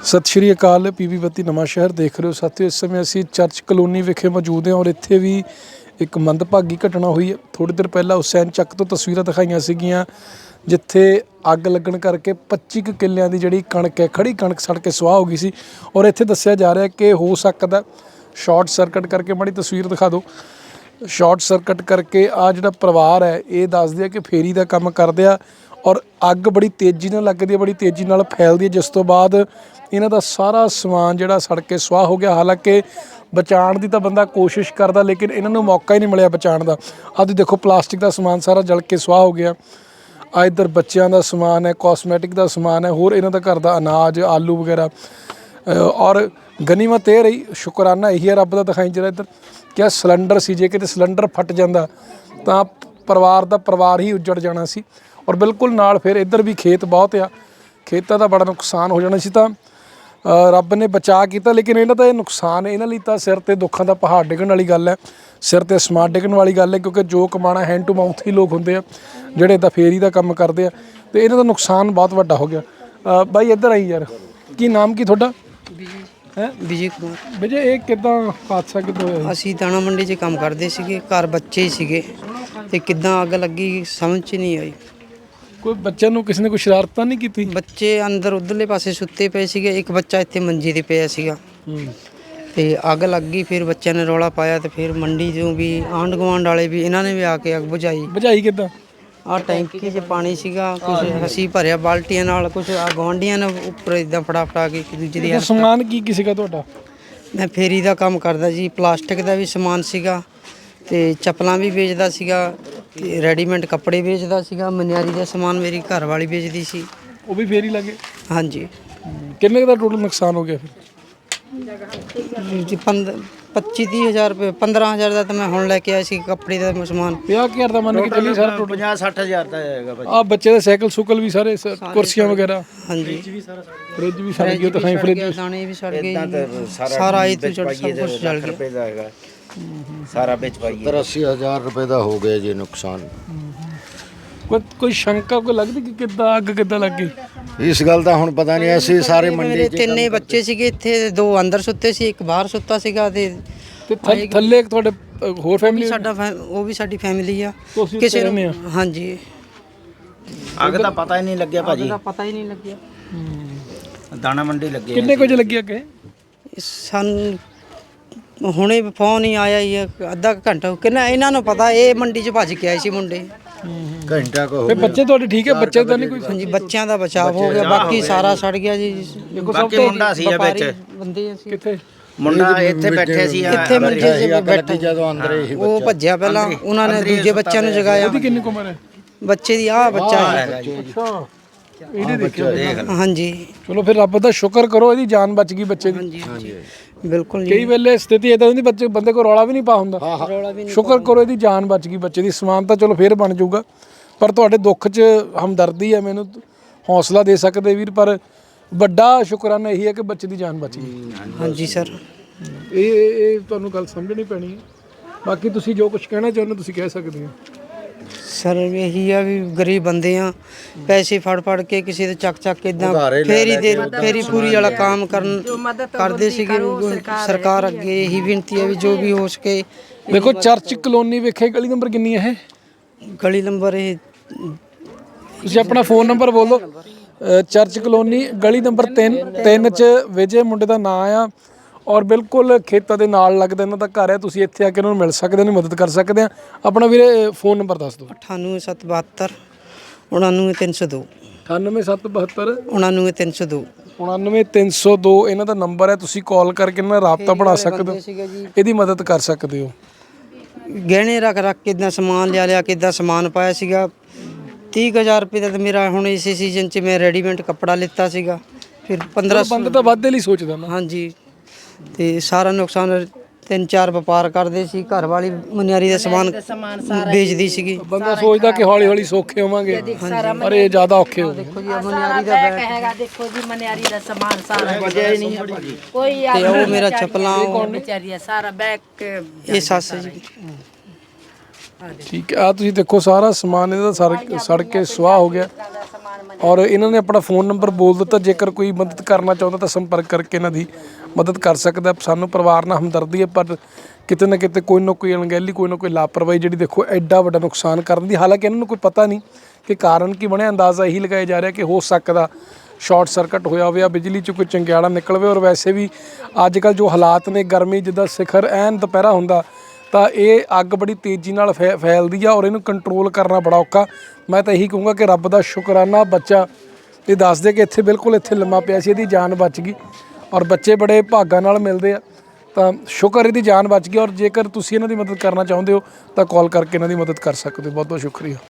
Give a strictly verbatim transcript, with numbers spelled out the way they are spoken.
सत श्री अकाल। पीवी बत्ती नवां शहर देख रहे हो साथियों। इस समय असी चर्च कलोनी विखे मौजूद हैं और इत्थे भी एक मंदभागी घटना हुई है। थोड़ी देर पहला हुसैन चक तो तस्वीरां दिखाईयां सीगियां जिथे अग लगन करके पच्ची क किलियां दी जिहड़ी कणक है खड़ी कणक सड़ के सुआह हो गई सी। और इत्थे दस्सिया जा रहा है कि हो सकदा शॉर्ट सर्किट करके, माड़ी तस्वीर दिखा दो, शॉर्ट सर्किट करके आ जिहड़ा परिवार है ये दसदे आ कि फेरी का काम करदे आ और अग बड़ी तेज़ी नाल लगदी है, बड़ी तेज़ी नाल फैलदी है, जिस तो बाद इन्हां दा सारा समान जिहड़ा सड़ के सुआह हो गया। हालांकि बचाउण दी तां बंदा कोशिश करदा लेकिन इन्हां नूं मौका ही नहीं मिलिया बचाउण दा। आ तुसीं देखो प्लास्टिक का समान सारा जल के सुआह हो गया। आ इधर बच्चों का समान है, कॉस्मैटिक का समान है, होर इन्हां दा घर दा अनाज आलू वगैरह। और गनीमत ये रही, शुकराना यही है रब दा दिखाई जरा इधर क्या सिलेंडर सी, जे किते सिलेंडर फट जांदा तां परिवार दा परिवार ही उजड़ जाना सी। और बिल्कुल नाल फिर इधर भी खेत बहुत आ, खेतां दा बड़ा नुकसान हो जाना सी। तां रब ने बचा किया लेकिन इन्हां दा नुकसान इन्हां लई तां सिर ते दुखां दा पहाड़ डिगण वाली गल है, सिर ते समान डिगण वाली गल है। क्योंकि जो कमाना हैंड टू माउथ ही लोग होंदे आ जिहड़े इदां फेरी दा काम करदे आ, ते इन्हां दा नुकसान बहुत वड्डा हो गया। बाई इधर आई यार, की नाम की तुहाडा? है विजय कुमार। विजय ये किदां हादसा किदां होया? ਅਸੀਂ ਦਾਣਾ ਮੰਡੀ 'ਚ ਕੰਮ ਕਰਦੇ ਸੀਗੇ, ਘਰ ਬੱਚੇ ਹੀ ਸੀਗੇ ਤੇ ਕਿੱਦਾਂ ਅੱਗ ਲੱਗੀ ਸਮਝ 'ਚ ਨਹੀਂ ਆਈ। ਕੋਈ ਬੱਚਿਆਂ ਨੂੰ ਕਿਸੇ ਨੇ ਕੋਈ ਸ਼ਰਾਰਤਾਂ ਨਹੀਂ ਕੀਤੀ? ਬੱਚੇ ਅੰਦਰ ਉਧਰਲੇ ਪਾਸੇ ਸੁੱਤੇ ਪਏ ਸੀਗੇ, ਇੱਕ ਬੱਚਾ ਇੱਥੇ ਮੰਜੀ ਤੇ ਪਿਆ ਸੀਗਾ ਤੇ ਅੱਗ ਲੱਗ ਗਈ। ਫਿਰ ਬੱਚਿਆਂ ਨੇ ਰੌਲਾ ਪਾਇਆ ਤੇ ਫਿਰ ਮੰਡੀ 'ਚੋਂ ਵੀ ਆਂਢ ਗੁਆਂਢ ਵਾਲੇ ਵੀ ਇਹਨਾਂ ਨੇ ਵੀ ਆ ਕੇ ਅੱਗ ਬੁਝਾਈ। ਬੁਝਾਈ ਕਿਦਾਂ? ਆਹ ਟੈਂਕੀ 'ਚ ਪਾਣੀ ਸੀਗਾ, ਕੁਝ ਅਸੀਂ ਭਰਿਆ ਬਾਲਟੀਆਂ ਨਾਲ, ਕੁਝ ਆ ਗੁਆਂਢੀਆਂ ਨੇ ਉੱਪਰ ਇਦਾਂ ਫੜਾ ਫੜਾ ਕੇ ਇੱਕ ਦੂਜੇ ਦੀ ਇਹਦਾ ਸਮਾਨ ਕੀ ਕੀ ਸੀਗਾ ਤੁਹਾਡਾ? ਮੈਂ ਫੇਰੀ ਦਾ ਕੰਮ ਕਰਦਾ ਜੀ, ਪਲਾਸਟਿਕ ਦਾ ਵੀ ਸਮਾਨ ਸੀਗਾ ਤੇ ਚੱਪਲਾਂ ਵੀ ਵੇਚਦਾ ਸੀਗਾ ਤੇ ਰੈਡੀਮੇਡ ਕੱਪੜੇ ਵੇਚਦਾ ਸੀਗਾ। ਮਨਿਆਰੀ ਦਾ ਸਮਾਨ ਮੇਰੀ ਘਰ ਵਾਲੀ ਵੇਚਦੀ ਸੀ। ਉਹ ਵੀ ਫੇਰੀ ਲੱਗੇ? ਹਾਂਜੀ। ਕਿੰਨੇ ਕੁ ਦਾ ਟੋਟਲ ਨੁਕਸਾਨ ਹੋ ਗਿਆ ਫਿਰ? ਜੀ ਪੱਚੀ ਤੀਹ ਹਜ਼ਾਰ ਰੁਪਏ, ਪੰਦਰਾਂ ਹਜ਼ਾਰ ਦਾ ਤਾਂ ਮੈਂ ਹੁਣ ਲੈ ਕੇ ਆਇਆ ਸੀ ਕੱਪੜੇ ਦਾ ਸਮਾਨ। ਪੰਜਾਹ ਹਜ਼ਾਰ ਦਾ ਮੰਨ ਕੇ ਚੱਲੀ ਸਾਰਾ ਟੋਟਲ? ਪੰਜਾਹ ਸੱਠ ਹਜ਼ਾਰ ਦਾ ਆਏਗਾ ਭਾਜੀ। ਆ ਬੱਚੇ ਦੇ ਸਾਈਕਲ ਸੁਕਲ ਵੀ ਸਾਰੇ, ਕੁਰਸੀਆਂ ਵਗੈਰਾ? ਹਾਂਜੀ। ਫ੍ਰਿਜ ਵੀ ਸੜ ਗਈ, ਤਾਂ ਖਾਈ ਫ੍ਰਿਜ ਦਾਣੇ ਵੀ ਸੜ ਗਏ, ਸਾਰਾ ਇਹ ਤੋਂ ਸਭ ਕੁਝ ਜਲ ਗਿਆ। ਸਾਰਾ ਵਿੱਚ ਪਾਈਏ अस्सी हज़ार रुपये का हो गया जी नुकसान। ਕੋਈ ਕੋਈ ਸ਼ੰਕਾ ਕੋਈ ਲੱਗਦੀ ਕਿ ਕਿੱਦਾਂ ਅੱਗ ਕਿੱਦਾਂ ਲੱਗ ਗਈ? इस गल का हुण पता नहीं, ਅਸੀਂ ਸਾਰੇ ਮੇਰੇ ਮੰਡੀ ਤਿੰਨੇ ਬੱਚੇ ਸੀਗੇ ਇੱਥੇ, ਦੋ ਅੰਦਰ ਸੁੱਤੇ ਸੀ, ਇੱਕ ਬਾਹਰ ਸੁੱਤਾ ਸੀਗਾ ਤੇ ਤੇ ਥੱਲੇ- ਥੱਲੇ ਇੱਕ ਤੁਹਾਡੇ ਅ, ਹੋਰ ਫੈਮਿਲੀ? ਸਾਡਾ ਫੈ- ਉਹ ਵੀ ਸਾਡੀ ਫੈਮਿਲੀ ਆ। ਤੁਸੀਂ ਕਿਸੇ ਉੱਥੇ ਰਹਿੰਦੇ ਨੂੰ ਹਾਂਜੀ ਅੱਗ ਦਾ ਪਤਾ ਹੀ ਨਹੀਂ ਲੱਗਿਆ ਭਾਜੀ, ਦਾ ਪਤਾ ਹੀ ਨਹੀਂ ਲੱਗਿਆ। ਦਾਣਾ ਮੰਡੀ ਲੱਗੇ ਕਿੰਨੇ ਕੁ ਵਜੇ ਲੱਗੀ ਅੱਗ? ਸਾਨੂੰ ਹੁਣੇ ਫੋਨ ਹੀ ਆਇਆ ਹੀ ਆ, ਅੱਧਾ ਕੁ ਘੰਟਾ ਕਿੰਨਾ ਇਹਨਾਂ ਨੂੰ ਪਤਾ। ਇਹ ਮੰਡੀ 'ਚ ਭੱਜ ਕੇ ਆਏ ਸੀ ਮੁੰਡੇ। घंटा को हो ਫਿਰ ਬੱਚੇ ਤੁਹਾਡੇ ਠੀਕ ਹੈ? ਬੱਚੇ ਤਾਂ ਨਹੀਂ ਕੋਈ? ਹਾਂਜੀ, ਬੱਚਿਆਂ ਦਾ ਬਚਾਅ ਹੋ ਗਿਆ, ਬਾਕੀ ਸਾਰਾ ਸੜ ਗਿਆ ਜੀ। ਬਾਕੀ ਮੁੰਡਾ ਸੀ ਆ ਵਿੱਚ, ਬੰਦੇ ਅਸੀਂ ਕਿੱਥੇ? ਮੁੰਡਾ ਇੱਥੇ ਬੈਠੇ ਸੀ, ਇੱਥੇ ਮੰਜੇ 'ਚ ਬੈਠੇ। ਜਦੋਂ ਅੰਦਰ ਹੀ ਉਹ ਭੱਜਿਆ ਪਹਿਲਾਂ, ਉਹਨਾਂ ਨੇ ਦੂਜੇ ਬੱਚਿਆਂ ਨੂੰ ਜਗਾਇਆ। ਉਹਦੀ ਕਿੰਨੀ ਕੁ ਉਮਰ ਹੈ? ਬੱਚੇ ਦੀ ਆਹ ਬੱਚਾ ਹੈ। ਅੱਛਾ, ਇਹਦੇ ਦੇਖਿਓ। ਹਾਂਜੀ ਚਲੋ ਫਿਰ ਰੱਬ ਦਾ ਸ਼ੁਕਰ ਕਰੋ, ਇਹਦੀ ਜਾਨ ਬਚ ਗਈ ਬੱਚੇ ਦੀ। ਹਾਂਜੀ ਬਿਲकुल ਕਈ ਵੇਲੇ ਸਥਿਤੀ ਇਦਾਂ ਦੀ ਬੱਚੇ ਬੰਦੇ ਕੋਲ ਰੌਲਾ ਵੀ ਨਹੀਂ ਪਾ ਹੁੰਦਾ। ਰੌਲਾ ਵੀ ਨਹੀਂ। ਸ਼ੁਕਰ ਕਰੋ ਇਹਦੀ ਜਾਨ ਬਚ ਗਈ ਬੱਚੇ ਦੀ। ਸਮਾਨ ਤਾਂ ਚਲੋ ਫੇਰ ਬਣ ਜਾਊਗਾ, ਪਰ ਤੁਹਾਡੇ ਦੁੱਖ 'ਚ ਹਮਦਰਦੀ ਹੈ, ਮੈਨੂੰ ਹੌਸਲਾ ਦੇ ਸਕਦੇ ਵੀਰ। ਪਰ ਵੱਡਾ ਸ਼ੁਕਰਾਨਾ ਇਹੀ ਹੈ ਕਿ ਬੱਚੇ ਦੀ ਜਾਨ ਬਚ ਗਈ। ਹਾਂਜੀ ਸਰ, ਇਹ ਇਹ ਤੁਹਾਨੂੰ ਗੱਲ ਸਮਝਣੀ ਪੈਣੀ ਹੈ। ਬਾਕੀ ਤੁਸੀਂ ਜੋ ਕੁਝ ਕਹਿਣਾ ਚਾਹੁੰਦੇ ਤੁਸੀਂ ਕਹਿ ਸਕਦੇ ਹੋ। ਸਰ ਇਹੀ ਆ ਵੀ ਗਰੀਬ ਬੰਦੇ ਆ, ਪੈਸੇ ਫੜ ਫੜ ਕੇ ਕਿਸੇ ਦੇ ਚੱਕ ਚੱਕ ਇਦਾਂ ਫੇਰੀ ਦੇ ਫੇਰੀ ਪੂਰੀ ਵਾਲਾ ਕੰਮ ਕਰਨ ਕਰਦੇ ਸੀਗੇ। ਸਰਕਾਰ ਅੱਗੇ ਇਹੀ ਬੇਨਤੀ ਹੈ ਵੀ ਜੋ ਵੀ ਹੋ ਸਕੇ। ਦੇਖੋ ਚਰਚ ਕਲੋਨੀ ਵੇਖੇ, ਗਲੀ ਨੰਬਰ ਕਿੰਨੀ ਹੈ ਇਹ? ਗਲੀ ਨੰਬਰ ਇਹ ਤੁਸੀਂ ਆਪਣਾ ਫੋਨ ਨੰਬਰ ਬੋਲ ਦਿਓ। ਅ, ਚਰਚ ਕਲੋਨੀ ਗਲੀ ਨੰਬਰ ਤਿੰਨ ਤਿੰਨ 'ਚ ਵਿਜੇ ਮੁੰਡੇ ਦਾ ਨਾਂ ਆ ਔਰ ਬਿਲਕੁਲ ਖੇਤਾਂ ਦੇ ਨਾਲ ਲੱਗਦਾ ਇਹਨਾਂ ਦਾ ਘਰ ਹੈ। ਤੁਸੀਂ ਇੱਥੇ ਆ ਕੇ ਇਹਨਾਂ ਨੂੰ ਮਿਲ ਸਕਦੇ ਹੋ, ਮਦਦ ਕਰ ਸਕਦੇ ਆ। ਆਪਣਾ ਵੀਰੇ ਫੋਨ ਨੰਬਰ ਦੱਸ ਦਿਓ। ਅਠਾਨਵੇਂ ਸੱਤ ਬਹੱਤਰ ਉਣਾਨਵੇਂ ਤਿੰਨ ਸੌ ਦੋ ਅਠਾਨਵੇਂ ਸੱਤ ਬਹੱਤਰ ਉਣਾਨਵੇਂ ਤਿੰਨ ਸੌ ਦੋ ਉਣਾਨਵੇਂ ਤਿੰਨ ਸੌ ਦੋ ਇਹਨਾਂ ਦਾ ਨੰਬਰ ਹੈ। ਤੁਸੀਂ ਕਾਲ ਕਰਕੇ ਇਹਨਾਂ ਨਾਲ ਰਾਬਤਾ ਬਣਾ ਸਕਦੇ ਹੋ, ਇਹਦੀ ਮਦਦ ਕਰ ਸਕਦੇ ਹੋ। ਗਹਿਣੇ ਰੱਖ ਰੱਖ ਕੇ ਇਦਾਂ ਸਮਾਨ ਲਿਆ ਲਿਆ ਕੇ ਇਦਾਂ ਸਮਾਨ ਪਾਇਆ ਸੀਗਾ। ਤੀਹ ਕੁ ਹਜ਼ਾਰ ਰੁਪਏ ਦਾ ਤਾਂ ਮੇਰਾ ਹੁਣ ਇਸੇ ਸੀਜ਼ਨ 'ਚ ਮੈਂ ਰੈਡੀਮੇਡ ਕੱਪੜਾ ਲਿੱਤਾ ਸੀਗਾ। ਫਿਰ ਪੰਦਰਾਂ ਬੰਦਾ ਤਾਂ ਵਾਧੇ ਲਈ ਸੋਚਦਾ ਨਾ। ਹਾਂਜੀ, ਤੇ ਸਾਰਾ ਨੁਕਸਾਨ। ਤਿੰਨ ਚਾਰ ਵਪਾਰ ਕਰਦੇ ਸੀ, ਘਰ ਵਾਲੀ ਮਨਿਆਰੀ ਦਾ ਸਮਾਨ ਵੇਚਦੀ ਸੀਗੀ। ਬੰਦਾ ਸੋਚਦਾ ਕਿ ਹੌਲੀ ਹੌਲੀ ਸੌਖੇ ਹੋਵਾਂਗੇ, ਪਰ ਇਹ ਜ਼ਿਆਦਾ ਔਖੇ ਹੋ ਗਏ। ਦੇਖੋ ਜੀ ਮਨਿਆਰੀ ਦਾ ਬੈਗ ਹੈਗਾ, ਦੇਖੋ ਜੀ ਮਨਿਆਰੀ ਦਾ ਸਮਾਨ ਸਾਰਾ ਕੋਈ ਤੇ ਉਹ ਮੇਰਾ ਚੱਪਲਾਂ, ਕੌਣ ਵਿਚਾਰੀ ਹੈ, ਸਾਰਾ ਬੈਗ ਇਹ ਸੱਸ ਜੀ। ਠੀਕ ਹੈ, ਆ ਤੁਸੀਂ ਦੇਖੋ ਸਾਰਾ ਸਮਾਨ ਇਹਦਾ ਸੜ ਸੜ ਕੇ ਸੁਆਹ ਹੋ ਗਿਆ। ਔਰ ਇਹਨਾਂ ਨੇ ਆਪਣਾ ਫੋਨ ਨੰਬਰ ਬੋਲ ਦਿੱਤਾ, ਜੇਕਰ ਕੋਈ ਮਦਦ ਕਰਨਾ ਚਾਹੁੰਦਾ ਤਾਂ ਸੰਪਰਕ ਕਰਕੇ ਇਹਨਾਂ ਦੀ ਮਦਦ ਕਰ ਸਕਦਾ। ਸਾਨੂੰ ਪਰਿਵਾਰ ਨਾਲ ਹਮਦਰਦੀ ਹੈ, ਪਰ ਕਿਤੇ ਨਾ ਕਿਤੇ ਕੋਈ ਨਾ ਕੋਈ ਅਣਗਹਿਲੀ, ਕੋਈ ਨਾ ਕੋਈ ਲਾਪਰਵਾਹੀ ਜਿਹੜੀ ਦੇਖੋ ਐਡਾ ਵੱਡਾ ਨੁਕਸਾਨ ਕਰਨ ਦੀ। ਹਾਲਾਂਕਿ ਇਹਨਾਂ ਨੂੰ ਕੋਈ ਪਤਾ ਨਹੀਂ ਕਿ ਕਾਰਨ ਕੀ ਬਣਿਆ, ਅੰਦਾਜ਼ਾ ਇਹੀ ਲਗਾਇਆ ਜਾ ਰਿਹਾ ਕਿ ਹੋ ਸਕਦਾ ਸ਼ਾਰਟ ਸਰਕਟ ਹੋਇਆ ਹੋਵੇ, ਬਿਜਲੀ 'ਚ ਕੋਈ ਚੰਗਿਆੜਾ ਨਿਕਲ ਵੇ। ਔਰ ਵੈਸੇ ਵੀ ਅੱਜ ਕੱਲ੍ਹ ਜੋ ਹਾਲਾਤ ਨੇ, ਗਰਮੀ ਜਿੱਦਾਂ ਸਿਖਰ ਐਨ ਦੁਪਹਿਰਾ ਹੁੰਦਾ ਤਾਂ ਇਹ ਅੱਗ ਬੜੀ ਤੇਜ਼ੀ ਨਾਲ ਫੈ ਫੈਲਦੀ ਆ ਔਰ ਇਹਨੂੰ ਕੰਟਰੋਲ ਕਰਨਾ ਬੜਾ ਔਖਾ। ਮੈਂ ਤਾਂ ਇਹੀ ਕਹੂੰਗਾ ਕਿ ਰੱਬ ਦਾ ਸ਼ੁਕਰਾਨਾ ਬੱਚਾ ਇਹ ਦੱਸਦੇ ਕਿ ਇੱਥੇ ਬਿਲਕੁਲ ਇੱਥੇ ਲੰਮਾ ਪਿਆ ਸੀ, ਇਹਦੀ ਜਾਨ ਬਚ ਗਈ। ਔਰ ਬੱਚੇ ਬੜੇ ਭਾਗਾਂ ਨਾਲ ਮਿਲਦੇ ਆ, ਤਾਂ ਸ਼ੁਕਰ ਇਹਦੀ ਜਾਨ ਬਚ ਗਈ। ਔਰ ਜੇਕਰ ਤੁਸੀਂ ਇਹਨਾਂ ਦੀ ਮਦਦ ਕਰਨਾ ਚਾਹੁੰਦੇ ਹੋ ਤਾਂ ਕਾਲ ਕਰਕੇ ਇਹਨਾਂ ਦੀ ਮਦਦ ਕਰ ਸਕਦੇ ਹੋ। ਬਹੁਤ ਬਹੁਤ ਸ਼ੁਕਰੀਆ।